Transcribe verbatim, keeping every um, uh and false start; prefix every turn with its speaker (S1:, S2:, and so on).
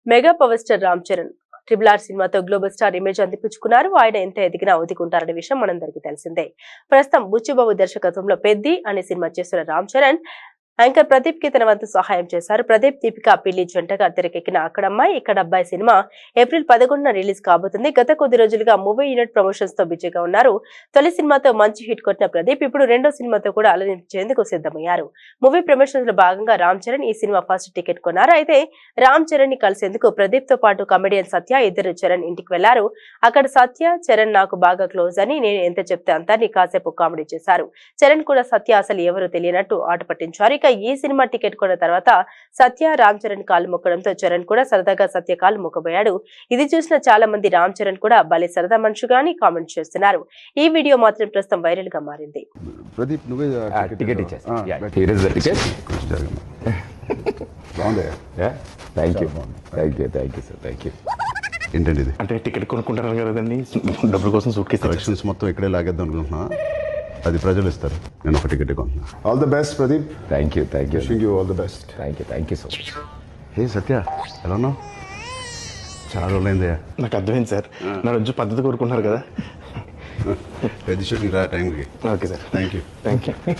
S1: Mega power star Ram Charan triple R సినిమాతో global star image అందిపుచ్చుకున్నారు. ఆయన ఎంత ఎదిగినా ఒదిగుంటారనే విషయం మనందరికీ తెలిసిందే. ప్రస్తుతం బుచ్చిబాబు దర్శకత్వంలో పెద్ది అనే సినిమా చేస్తున్న రామ్ చరణ్ యాంకర్ ప్రదీప్ కి తన వంతు సహాయం చేశారు. ప్రదీప్ దీపిక పిల్లి జంటగా తెరకెక్కిన అక్కడమ్మాయి ఇక్కడ అబ్బాయి సినిమా ఏప్రిల్ పదకొండున రిలీజ్ కాబోతుంది. గత కొద్ది రోజులుగా మూవీ యూనిట్ ప్రమోషన్స్ తో బిజీగా ఉన్నారు. తొలి సినిమాతో మంచి హిట్ కొట్టిన ప్రదీప్ ఇప్పుడు రెండో సినిమాతో కూడా అలరించేందుకు సిద్ధమయ్యారు. మూవీ ప్రమోషన్స్ లో భాగంగా రామ్ చరణ్ ఈ సినిమా ఫస్ట్ టికెట్ కొన్నారు. అయితే రామ్ చరణ్ ని కలిసేందుకు ప్రదీప్ తో పాటు కమెడియన్ సత్య ఇద్దరు చరణ్ ఇంటికి వెళ్లారు. అక్కడ సత్య చరణ్ నాకు బాగా క్లోజ్ అని, నేను ఎంత చెప్తే అంతా నీ కాసేపు కామెడీ చేశారు. చరణ్ కూడా సత్య అసలు ఎవరు తెలియనట్టు ఆట పట్టించారు. ఇక ఈ సినిమా టికెట్ కొన్న తర్వాత సత్య రామ్ చరణ్ కాలు మొక్కడంతో చరణ్ కూడా సరదాగా సత్య కాలు మొక్కబోయాడు. ఇది చూసిన చాలా మంది రామ్ చరణ్ కూడా భలే సరదా మనుషుగాని కామెంట్ చేస్తున్నారు. ఈ వీడియో మాత్రం ప్రస్తుతం వైరల్ గా మారింది.
S2: ప్రదీప్ నువ్వే
S3: టికెట్ ఇచ్చేసి హియర్ ఇస్ ద టికెట్.
S2: బాగుంది.
S3: Thank you thank you thank you sir thank you.
S2: ఏంటండి ఇది?
S4: అంటే టికెట్ కొనుక్కుంటారు కదండి, డబ్బుల కోసం సూట్ కేసు
S2: కలెక్షన్స్ మొత్తం ఇక్కడే లాగేద్దాం అనుకుంటున్నా. అది ప్రజలు ఇస్తారు, నేను ఒక టికెట్ కొంటున్నా. All the best Pradeep.
S3: Thank you thank you
S2: wishing you all the best.
S3: Thank you thank you so much.
S2: Hey Satya, ఎలా ఉన్నావు? చాలా రోజులైందయ్యా.
S4: నాకు అర్థమైంది సార్, నా రోజు పద్ధతి కోరుకుంటున్నారు కదా.
S2: పెద్ద షూటింగ్ రా టైంకి.
S4: Okay sir,
S2: thank you
S4: thank you.